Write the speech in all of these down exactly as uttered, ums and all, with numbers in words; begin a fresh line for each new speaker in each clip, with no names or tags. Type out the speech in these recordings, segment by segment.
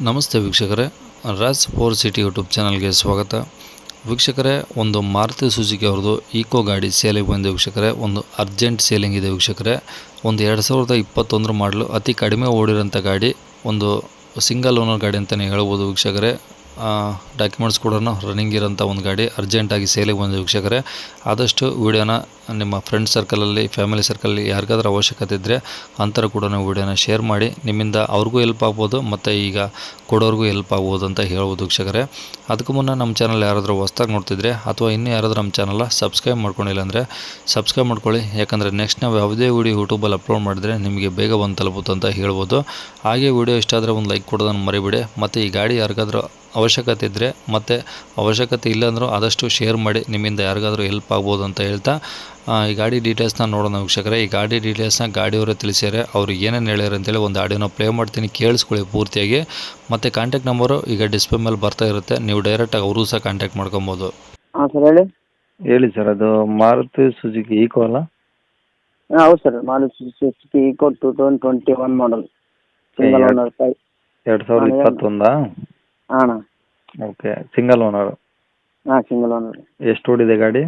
ನಮಸ್ತೆ ವೀಕ್ಷಕರೇ, Raj four city YouTube ಚಾನಲ್ಗೆ ಸ್ವಾಗತ. ವೀಕ್ಷಕರೇ, ಒಂದು ಮಾರುತಿ ಸುಜುಕಿ ಅವ್ರದ್ದು ಈಕೋ ಗಾಡಿ ಸೇಲಿಗೆ ಬಂದಿದೆ ವೀಕ್ಷಕರೇ. ಒಂದು ಅರ್ಜೆಂಟ್ ಸೇಲಿಂಗ್ ಇದೆ ವೀಕ್ಷಕರೇ. ಒಂದು ಎರಡು ಸಾವಿರದ ಇಪ್ಪತ್ತೊಂದರ ಮಾಡಲು ಅತಿ ಕಡಿಮೆ ಓಡಿರೋಂಥ ಗಾಡಿ, ಒಂದು ಸಿಂಗಲ್ ಓನರ್ ಗಾಡಿ ಅಂತಲೇ ಹೇಳ್ಬೋದು ವೀಕ್ಷಕರೇ. ಡಾಕ್ಯುಮೆಂಟ್ಸ್ ಕೂಡ ರನ್ನಿಂಗ್ ಇರೋಂಥ ಒಂದು ಗಾಡಿ ಅರ್ಜೆಂಟಾಗಿ ಸೇಲಿಗೆ ಬಂದಿದೆ ವೀಕ್ಷಕರೇ. ಆದಷ್ಟು ವಿಡಿಯೋನ ನಿಮ್ಮ ಫ್ರೆಂಡ್ ಸರ್ಕಲಲ್ಲಿ, ಫ್ಯಾಮಿಲಿ ಸರ್ಕಲಲ್ಲಿ ಯಾರಿಗಾದ್ರೂ ಅವಶ್ಯಕತೆ ಇದ್ದರೆ ಅಂಥವ್ರು ಕೂಡ ವಿಡಿಯೋನ ಶೇರ್ ಮಾಡಿ. ನಿಮ್ಮಿಂದ ಅವ್ರಿಗೂ ಹೆಲ್ಪ್ ಆಗ್ಬೋದು ಮತ್ತು ಈಗ ಕೊಡೋರಿಗೂ ಹೆಲ್ಪ್ ಆಗ್ಬೋದು ಅಂತ ಹೇಳ್ಬೋದು ವೀಕ್ಷಕರೇ. ಅದಕ್ಕೂ ಮುನ್ನ ನಮ್ಮ ಚಾನಲ್ ಯಾರಾದರೂ ಹೊಸ್ದಾಗಿ ನೋಡ್ತಿದ್ರೆ ಅಥವಾ ಇನ್ನೂ ಯಾರಾದರೂ ನಮ್ಮ ಚಾನಲ್ನ ಸಬ್ಸ್ಕ್ರೈಬ್ ಮಾಡ್ಕೊಂಡಿಲ್ಲ ಅಂದರೆ ಸಬ್ಸ್ಕ್ರೈಬ್ ಮಾಡ್ಕೊಳ್ಳಿ. ಯಾಕಂದರೆ ನೆಕ್ಸ್ಟ್ ನಾವು ಯಾವುದೇ ವೀಡಿಯೋ ಯೂಟ್ಯೂಬಲ್ಲಿ ಅಪ್ಲೋಡ್ ಮಾಡಿದರೆ ನಿಮಗೆ ಬೇಗ ಬಂದು ತಲುಪುತ್ತೆ ಅಂತ ಹೇಳ್ಬೋದು. ಹಾಗೆ ವಿಡಿಯೋ ಇಷ್ಟ ಆದರೆ ಒಂದು ಲೈಕ್ ಕೊಡೋದನ್ನು ಮರಿಬೇಡಿ. ಮತ್ತು ಈ ಗಾಡಿ ಯಾರಿಗಾದ್ರೂ ಅವಶ್ಯಕತೆ ಇದ್ದರೆ ಮತ್ತು ಅವಶ್ಯಕತೆ ಇಲ್ಲಾಂದ್ರೂ ಆದಷ್ಟು ಶೇರ್ ಮಾಡಿ, ನಿಮ್ಮಿಂದ ಯಾರಿಗಾದ್ರೂ ಹೆಲ್ಪ್ ಆಗ್ಬೋದು ಅಂತ ಹೇಳ್ತಾ ಈ ಗಾಡಿ ಡೀಟೇಲ್ಸ್ನ ನೋಡೋಣ ವೀಕ್ಷಕರೇ. ಈ ಗಾಡಿ ಡೀಟೇಲ್ಸ್ನ ಗಾಡಿಯವರೇ ತಿಳಿಸ್ಯಾರೆ. ಅವರು ಏನೇನು ಹೇಳ್ಯಾರ ಅಂತೇಳಿ ಒಂದು ಆಡಿಯೋನ ಪ್ಲೇ ಮಾಡ್ತೀನಿ, ಕೇಳಿಸ್ಕೊಳ್ಳಿ ಪೂರ್ತಿಯಾಗಿ. ಮತ್ತು ಕಾಂಟ್ಯಾಕ್ಟ್ ನಂಬರು ಈಗ ಡಿಸ್ಪ್ಲೇ ಮೇಲೆ ಬರ್ತಾ ಇರುತ್ತೆ, ನೀವು ಡೈರೆಕ್ಟಾಗಿ ಅವ್ರಿಗೂ ಸಹ ಕಾಂಟ್ಯಾಕ್ಟ್ ಮಾಡ್ಕೊಬೋದು.
ಹಾಂ ಸರ್, ಹೇಳಿ
ಹೇಳಿ ಸರ್. ಅದು ಮಾರುತಿ ಸುಜುಕಿ ಈಕೋ ಅಲ್ಲ?
ಹಾಂ ಹೌದು sir, Maruti Suzuki Eeco two thousand twenty one model, single owner.
ಎರಡು ಸಾವಿರದ ಇಪ್ಪತ್ತೊಂದಾ?
ಹಾಂ
ಓಕೆ, ಸಿಂಗಲ್ ಓನರ್.
ಹಾಂ ಸಿಂಗಲ್ ಓನರ್.
ಎಷ್ಟು ಓಡಿದೆ ಗಾಡಿ?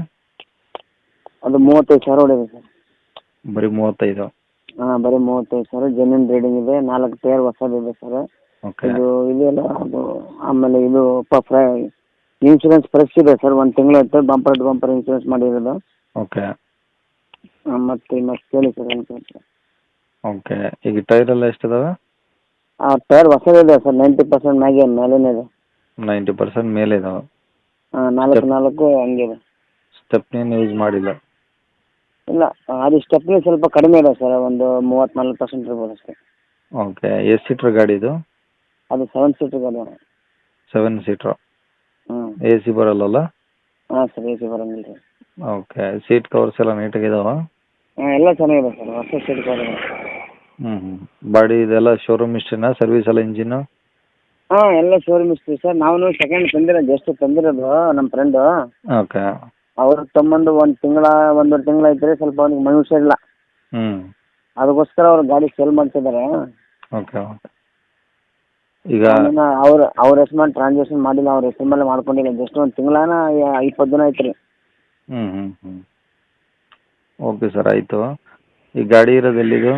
ಅದು ಮೂವತ್ತೈದು ಸಾವಿರ ಹೊಡಿದೆ ಸರ್.
ಬರೀ ಮೂವತ್ತೈದು?
ಹಾಂ ಬರೀ ಮೂವತ್ತೈದು ಸಾವಿರ. ಜೆನ್ಯೂನ್ ರೀಡಿಂಗ್ ಇದೆ, ನಾಲ್ಕು ಟೈರ್ ಹೊಸದಿದೆ ಸರ್.
ಓಕೆ.
ಇದು ಇದೆಲ್ಲ ಅದು ಆಮೇಲೆ ಇದು ಫ್ರೈ ಇನ್ಶೂರೆನ್ಸ್ ಫ್ರೆಶ್ ಇದೆ ಸರ್. ಒಂದು ತಿಂಗಳು ಆಯ್ತು ಬಂಪರ್ ಟು ಬಂಪರ್ ಇನ್ಶೂರೆನ್ಸ್ ಮಾಡಿರೋದು.
ಓಕೆ.
ಹಾಂ ಮತ್ತೆ ಮತ್ತೆ ಕೇಳಿ ಸರ್ ಏನು.
ಓಕೆ, ಈಗ ಟೈರ್ ಎಲ್ಲ ಎಷ್ಟಿದಾವೆ?
ಆ ಟೈರ್ ಹೊಸದಿದೆ ಸರ್, ನೈಂಟಿ ಪರ್ಸೆಂಟ್ ಮ್ಯಾಗೆ ಮೇಲೇನೆ ಇದೆ.
ನೈಂಟಿ ಪರ್ಸೆಂಟ್ ಮೇಲೆ ಇದಾವೆ?
ಹಾಂ ನಾಲ್ಕು ನಾಲ್ಕು ಹಂಗಿದೆ.
ಸ್ಟೆಪ್ನೇನು ಯೂಸ್ ಮಾಡಿಲ್ಲ?
ಇಲ್ಲ, ಅದು ಸ್ಟೆಪ್ನಿ ಸ್ವಲ್ಪ ಕಡಿಮೆ ಇದೆ ಸರ್, ಒಂದು ಮೂವತ್ತ್ನಾಲ್ಕು ಪರ್ಸೆಂಟ್ ಇರ್ಬೋದು ಅಷ್ಟೇ.
ಓಕೆ. ಎಷ್ಟು ಸೀಟ್ರ್ ಗಾಡಿ ಇದು?
ಅದು ಸೆವೆನ್ ಸೀಟರ್ ಗಾಡಿ.
Seven seater?
ಹ್ಞೂ.
ಎ ಸಿ ಬರಲ್ಲಲ್ಲ?
ಹಾಂ ಸರ್, ಎ ಸಿ ಬರೋಂಗಿಲ್ಲ ರೀ.
ಓಕೆ. ಸೀಟ್ ಕವರ್ಸ್ ಎಲ್ಲ ನೀಟಾಗಿದಾವ?
ಹಾಂ ಎಲ್ಲ ಚೆನ್ನಾಗಿದೆ ಸರ್, ಹೊಸ ಸೀಟ್ ಕವರ್ ಇದೆ.
ಹ್ಞೂ ಹ್ಞೂ. ಬಾಡಿ ಇದೆಲ್ಲ ಶೋರೂಮ್ ಇಷ್ಟೇನಾ? ಸರ್ವಿಸ್ ಎಲ್ಲ ಇಂಜಿನ್ನು?
ಹಾಂ ಎಲ್ಲ ಶೋರೂಮ್ ಇಸ್ತೀವಿ ಸರ್. ನಾವು ಸೆಕೆಂಡ್ ತಂದಿರೋದು, ಎಷ್ಟು ತಂದಿರೋದು ನಮ್ಮ ಫ್ರೆಂಡು.
ಓಕೆ.
ಅವ್ರು ತಮ್ಮಂದು ಒಂದು ತಿಂಗಳ ಒಂದೂವರೆ ತಿಂಗಳು ಐತ್ರಿ, ಸ್ವಲ್ಪ ಅವ್ನಿಗೆ ಮೈ ಹುಷಾರಿಲ್ಲ,
ಹ್ಞೂ.
ಅದಕ್ಕೋಸ್ಕರ ಅವ್ರು ಗಾಡಿ ಸೇಲ್ ಮಾಡ್ತಿದ್ದಾರೆ.
Okay okay. ಈಗ
ಅವ್ರ ಅವ್ರ ಹೆಸರು ಮೇಲೆ ಟ್ರಾನ್ಸಾಕ್ಷನ್ ಮಾಡಿಲ್ಲ, ಅವ್ರ ಹೆಸರು ಮೇಲೆ ಮಾಡ್ಕೊಂಡಿಲ್ಲ. ಜಸ್ಟ್ ಒಂದು ತಿಂಗಳಾನ ಇಪ್ಪತ್ತು ದಿನ ಐತ್ರಿ.
ಹ್ಞೂ ಹ್ಞೂ ಹ್ಞೂ. ಓಕೆ ಸರ್, ಆಯಿತು. ಈ ಗಾಡಿ ಇರೋದು ಎಲ್ಲಿದು?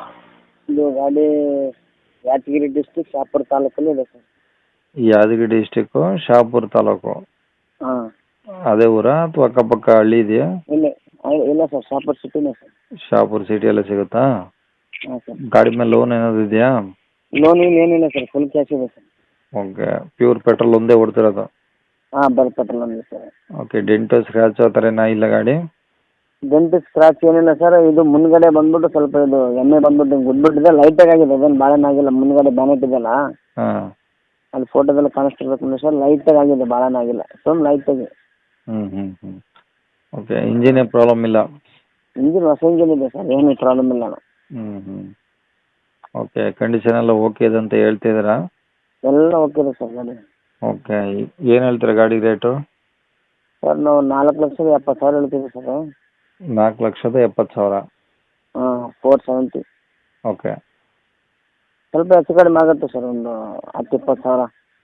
ಇದು ಗಾಡಿ ಯಾದಗಿರಿ ಡಿಸ್ಟಿಕ್, ಶಾಪುರ ತಾಲೂಕಲ್ಲಿ ಇದೆ ಸರ್.
ಯಾದಗಿರಿ ಡಿಸ್ಟಿಕ್ಕು, ಶಾಪುರ ತಾಲೂಕು.
ಹಾಂ.
ಅದೇ ಊರಾ ಅಥವಾ ಅಕ್ಕಪಕ್ಕ ಹಳ್ಳಿ ಇದೆಯಾ?
ಇಲ್ಲ ಇಲ್ಲ ಸರ್, ಶಾಪುರ ಸಿಟಿನೇ ಸರ್.
ಶಾಪುರ ಸಿಟಿಯಲ್ಲೇ ಸಿಗುತ್ತಾ?
ಹಾಂ ಸರ್.
ಗಾಡಿ ಮೇಲೆ ಲೋನ್ ಏನಾದ್ರು ಇದೆಯಾ?
ಲೋನ್ ಇಲ್ಲ ಏನಿಲ್ಲ ಸರ್, ಫುಲ್ ಕ್ಯಾಶ್ ಇದೆ ಸರ್.
ಓಕೆ. ಪ್ಯೂರ್ ಪೆಟ್ರೋಲ್ ಒಂದೇ ಓಡ್ತಿರೋದು?
ಹಾಂ ಬರೀ ಪೆಟ್ರೋಲ್ ಒಂದೇ ಸರ್.
ಓಕೆ. ಡೆಂಟು ಸ್ಕ್ರ್ಯಾಚ್ ಆ ಥರ ಏನಾ ಇಲ್ಲ ಗಾಡಿ?
ಡೆಂಟ್ ಸ್ಕ್ರಾಚ್ ಏನಿಲ್ಲ ಸರ್. ಇದು ಮುಂದ್ಗಡೆ ಬಂದ್ಬಿಟ್ಟು ಸ್ವಲ್ಪ ಇದು ಎಣ್ಣೆ ಬಂದ್ಬಿಟ್ಟು ಗುಡ್ಬಿಟ್ಟಿದೆ, ಲೈಟಾಗಿ ಆಗಿದೆ, ಅದೇನು ಭಾಳನೇ ಆಗಿಲ್ಲ. ಮುಂದ್ಗಡೆ ಬ್ಯಾನೆಟ್ ಇದೆಯಲ್ಲ,
ಹಾಂ,
ಅಲ್ಲಿ ಫೋಟೋದಲ್ಲಿ ಕಾಣಿಸ್ತಿರ್ಬೇಕು ಸರ್, ಲೈಟಾಗಿ ಆಗಿದೆ, ಭಾಳನೇ ಆಗಿಲ್ಲ, ಸುಮ್ಮನೆ ಲೈಟಾಗಿ.
ಹ್ಞೂ ಹ್ಞೂ ಹ್ಞೂ. ಓಕೆ. ಇಂಜಿನ್ ಏನು ಪ್ರಾಬ್ಲಮ್ ಇಲ್ಲ?
ಇಂಜಿನ್ ಹೊಸ ಇಂಜಿನ್ ಇದೆ ಸರ್, ಏನು ಪ್ರಾಬ್ಲಮ್ ಇಲ್ಲ.
ಹ್ಞೂ ಹ್ಞೂ. ಓಕೆ. ಕಂಡೀಷನ್ ಎಲ್ಲ ಓಕೆ ಇದೆ ಅಂತ ಹೇಳ್ತಿದ್ದೀರಾ?
ಎಲ್ಲ ಓಕೆ ಇದೆ ಸರ್ ಗಾಡಿ.
ಓಕೆ. ಏನು ಹೇಳ್ತೀರಾ ಗಾಡಿ ರೇಟು?
ಸರ್ ನಾವು ನಾಲ್ಕು ಲಕ್ಷದ ಎಪ್ಪತ್ತು ಸಾವಿರ ಹೇಳ್ತೀವಿ ಸರ್.
ನಾಲ್ಕು ಲಕ್ಷದ ಎಪ್ಪತ್ತು ಸಾವಿರ?
ಹಾಂ, ಫೋರ್ ಸೆವೆಂಟಿ.
ಓಕೆ.
ಸ್ವಲ್ಪ ಹೆಚ್ಚು ಕಡಿಮೆ ಆಗುತ್ತೆ ಸರ್, ಒಂದು ಹತ್ತು ಇಪ್ಪತ್ತು ಸಾವಿರ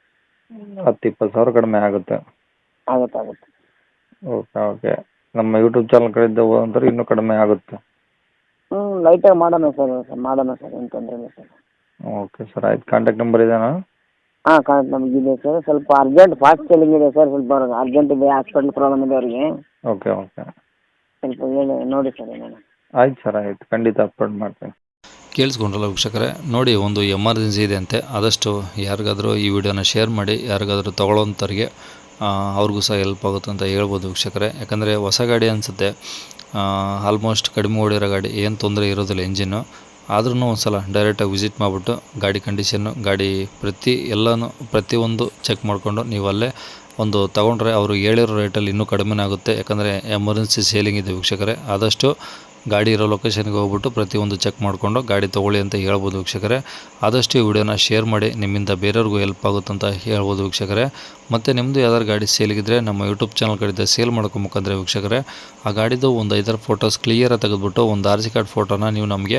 ಹತ್ತು ಇಪ್ಪತ್ತು ಸಾವಿರ ಕಡಿಮೆ ಆಗುತ್ತೆ?
ಆಗುತ್ತೆ ಆಗುತ್ತೆ.
Okay okay. ನಮ್ಮ ಯೂಟ್ಯೂಬ್ ಚಾನಲ್ ಕಡೆಯಿಂದ ಹೋದಂದ್ರೆ ಇನ್ನೂ ಕಡಿಮೆ ಆಗುತ್ತೆ?
ಹ್ಞೂ ಲೈಟಾಗಿ ಮಾಡೋಣ ಸರ್, ಮಾಡೋಣ ಸರ್, ಏನು ತೊಂದರೆ ಇಲ್ಲ ಸರ್.
ಓಕೆ ಸರ್, ಆಯ್ತು. ಕಾಂಟ್ಯಾಕ್ಟ್ ನಂಬರ್ ಇದೆಯಾ?
ಹಾಂ ಕಾಂಟ್ಯಾಕ್ಟ್ ನಮ್ಗೆ ಇದೆ ಸರ್. ಸ್ವಲ್ಪ ಅರ್ಜೆಂಟ್ ಫಾಸ್ಟ್ ಸೆಲ್ಲಿಂಗ್ ಇದೆ ಸರ್, ಸ್ವಲ್ಪ ಅವ್ರಿಗೆ ಅರ್ಜೆಂಟ್ ಇದೆ, ಹಾಸ್ಪಿಟ್ಲ್ ಪ್ರಾಬ್ಲಮ್ ಇದೆ ಅವ್ರಿಗೆ.
Okay okay.
ಸ್ವಲ್ಪ ಹೇಳಿ ನೋಡಿ ಸರ್ ಏನೇನು.
ಆಯ್ತು ಸರ್, ಆಯ್ತು, ಖಂಡಿತ ಅಪ್ಲೋಡ್ ಮಾಡ್ತೀನಿ.
ಕೇಳಿಸ್ಕೊಂಡ್ರಲ್ಲ ವೀಕ್ಷಕರೇ, ನೋಡಿ ಒಂದು ಎಮರ್ಜೆನ್ಸಿ ಇದೆ ಅಂತೆ. ಆದಷ್ಟು ಯಾರಿಗಾದರೂ ಈ ವಿಡಿಯೋನ ಶೇರ್ ಮಾಡಿ, ಯಾರಿಗಾದರೂ ತೊಗೊಳ್ಳೋಂಥವ್ರಿಗೆ ಅವ್ರಿಗೂ ಸಹ ಹೆಲ್ಪ್ ಆಗುತ್ತೆ ಅಂತ ಹೇಳ್ಬೋದು ವೀಕ್ಷಕರೇ. ಯಾಕಂದರೆ ಹೊಸ ಗಾಡಿ ಅನಿಸುತ್ತೆ, ಆಲ್ಮೋಸ್ಟ್ ಕಡಿಮೆ ಓಡಿರೋ ಗಾಡಿ, ಏನು ತೊಂದರೆ ಇರೋದಿಲ್ಲ ಇಂಜಿನ್ನು. ಆದ್ರೂ ಒಂದು ಸಲ ಡೈರೆಕ್ಟಾಗಿ ವಿಸಿಟ್ ಮಾಡಿಬಿಟ್ಟು ಗಾಡಿ ಕಂಡೀಷನ್ನು, ಗಾಡಿ ಪ್ರತಿ ಎಲ್ಲನೂ ಪ್ರತಿಯೊಂದು ಚೆಕ್ ಮಾಡಿಕೊಂಡು ನೀವು ಅಲ್ಲೇ ಒಂದು ತೊಗೊಂಡ್ರೆ ಅವರು ಹೇಳಿರೋ ರೇಟಲ್ಲಿ ಇನ್ನೂ ಕಡಿಮೆ ಆಗುತ್ತೆ. ಯಾಕಂದರೆ ಎಮರ್ಜೆನ್ಸಿ ಸೇಲಿಂಗ್ ಇದೆ ವೀಕ್ಷಕರೇ. ಆದಷ್ಟು ಗಾಡಿ ಇರೋ ಲೊಕೇಶನ್ಗೆ ಹೋಗ್ಬಿಟ್ಟು ಪ್ರತಿಯೊಂದು ಚೆಕ್ ಮಾಡಿಕೊಂಡು ಗಾಡಿ ತೊಗೊಳ್ಳಿ ಅಂತ ಹೇಳ್ಬೋದು ವೀಕ್ಷಕರೇ. ಆದಷ್ಟು ಈ ವಿಡಿಯೋನ ಶೇರ್ ಮಾಡಿ, ನಿಮ್ಮಿಂದ ಬೇರೆಯವ್ರಿಗೂ ಹೆಲ್ಪ್ ಆಗುತ್ತೆ ಅಂತ ಹೇಳ್ಬೋದು ವೀಕ್ಷಕರೇ. ಮತ್ತು ನಿಮ್ಮದು ಯಾವ್ದಾದ್ರು ಗಾಡಿ ಸೇಲಿಗಿದ್ರೆ ನಮ್ಮ ಯೂಟ್ಯೂಬ್ ಚಾನಲ್ ಕಡೆಯಿಂದ ಸೇಲ್ ಮಾಡ್ಕೊಬೇಕಂದ್ರೆ ವೀಕ್ಷಕರೇ, ಆ ಗಾಡಿದು ಒಂದು ಐದಾರು ಫೋಟೋಸ್ ಕ್ಲಿಯರಾಗಿ ತೆಗೆದುಬಿಟ್ಟು ಒಂದು ಆರ್ ಸಿ ಕಾರ್ಡ್ ಫೋಟೋನ ನೀವು ನಮಗೆ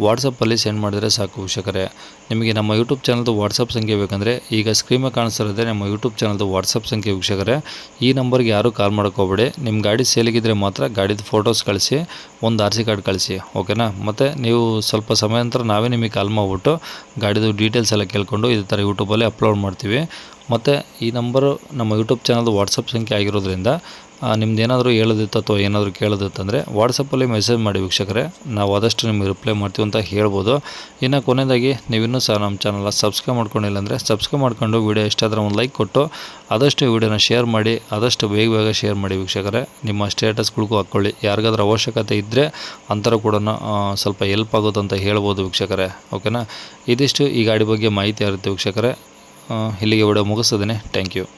ವಾಟ್ಸಪ್ಪಲ್ಲಿ ಸೆಂಡ್ ಮಾಡಿದರೆ ಸಾಕು ವೀಕ್ಷಕರೇ. ನಿಮಗೆ ನಮ್ಮ ಯೂಟ್ಯೂಬ್ ಚಾನಲ್ದು ವಾಟ್ಸಪ್ ಸಂಖ್ಯೆ ಬೇಕಂದರೆ ಈಗ ಸ್ಕ್ರೀನ್ ಮೇಲೆ ಕಾಣಿಸ್ತಿರೋದೇ ನಮ್ಮ ಯೂಟ್ಯೂಬ್ ಚಾನಲ್ದು ವಾಟ್ಸಪ್ ಸಂಖ್ಯೆ ವೀಕ್ಷಕರೇ. ಈ ನಂಬರ್ಗೆ ಯಾರೂ ಕಾಲ್ ಮಾಡೋಕ್ಕೋಗ್ಬೇಡಿ. ನಿಮ್ಮ ಗಾಡಿ ಸೇಲಿಗಿದ್ರೆ ಮಾತ್ರ ಗಾಡಿದು ಫೋಟೋಸ್ ಕಳಿಸಿ, ಒಂದು ಆರ್ ಸಿ ಕಾರ್ಡ್ ಕಳಿಸಿ, ಓಕೆನಾ. ಮತ್ತು ನೀವು ಸ್ವಲ್ಪ ಸಮಯ ನಂತರ ನಾವೇ ನಿಮಗೆ ಕಾಲ್ ಮಾಡಿಬಿಟ್ಟು ಗಾಡಿದು ಡೀಟೇಲ್ಸ್ ಎಲ್ಲ ಕೇಳ್ಕೊಂಡು ಇದೇ ಥರ ಯೂಟ್ಯೂಬಲ್ಲಿ ಅಪ್ಲೋಡ್ ಮಾಡ್ತೀವಿ. ಮತ್ತು ಈ ನಂಬರು ನಮ್ಮ ಯೂಟ್ಯೂಬ್ ಚಾನಲ್ದು ವಾಟ್ಸಪ್ ಸಂಖ್ಯೆ ಆಗಿರೋದ್ರಿಂದ ನಿಮ್ದು ಏನಾದರೂ ಹೇಳೋದಿತ್ತು ಅಥವಾ ಏನಾದರೂ ಕೇಳೋದಿತ್ತಂದರೆ ವಾಟ್ಸಪ್ಪಲ್ಲಿ ಮೆಸೇಜ್ ಮಾಡಿ ವೀಕ್ಷಕರೇ, ನಾವು ಆದಷ್ಟು ನಿಮಗೆ ರಿಪ್ಲೈ ಮಾಡ್ತೀವಿ ಅಂತ ಹೇಳ್ಬೋದು. ಇನ್ನು ಕೊನೆಯದಾಗಿ ನೀವಿನ್ನೂ ಸಹ ನಮ್ಮ ಚಾನಲ್ನ ಸಬ್ಸ್ಕ್ರೈಬ್ ಮಾಡ್ಕೊಂಡಿಲ್ಲ ಅಂದರೆ ಸಬ್ಸ್ಕ್ರೈಬ್ ಮಾಡ್ಕೊಂಡು ವೀಡಿಯೋ ಇಷ್ಟ ಆದರೆ ಒಂದು ಲೈಕ್ ಕೊಟ್ಟು ಆದಷ್ಟು ವೀಡಿಯೋನ ಶೇರ್ ಮಾಡಿ, ಆದಷ್ಟು ಬೇಗ ಬೇಗ ಶೇರ್ ಮಾಡಿ ವೀಕ್ಷಕರೇ. ನಿಮ್ಮ ಸ್ಟೇಟಸ್ಗಳಿಗೂ ಹಾಕ್ಕೊಳ್ಳಿ, ಯಾರಿಗಾದ್ರೂ ಅವಶ್ಯಕತೆ ಇದ್ದರೆ ಅಂಥವ್ರು ಕೂಡ ಸ್ವಲ್ಪ ಹೆಲ್ಪ್ ಆಗುತ್ತೆ ಅಂತ ಹೇಳ್ಬೋದು ವೀಕ್ಷಕರೇ, ಓಕೆನಾ. ಇದಿಷ್ಟು ಈ ಗಾಡಿ ಬಗ್ಗೆ ಮಾಹಿತಿ ಇರುತ್ತೆ ವೀಕ್ಷಕರೇ. ಇಲ್ಲಿಗೆ ವಿಡಿಯೋ ಮುಗಿಸ್ತೇನೆ. Thank you.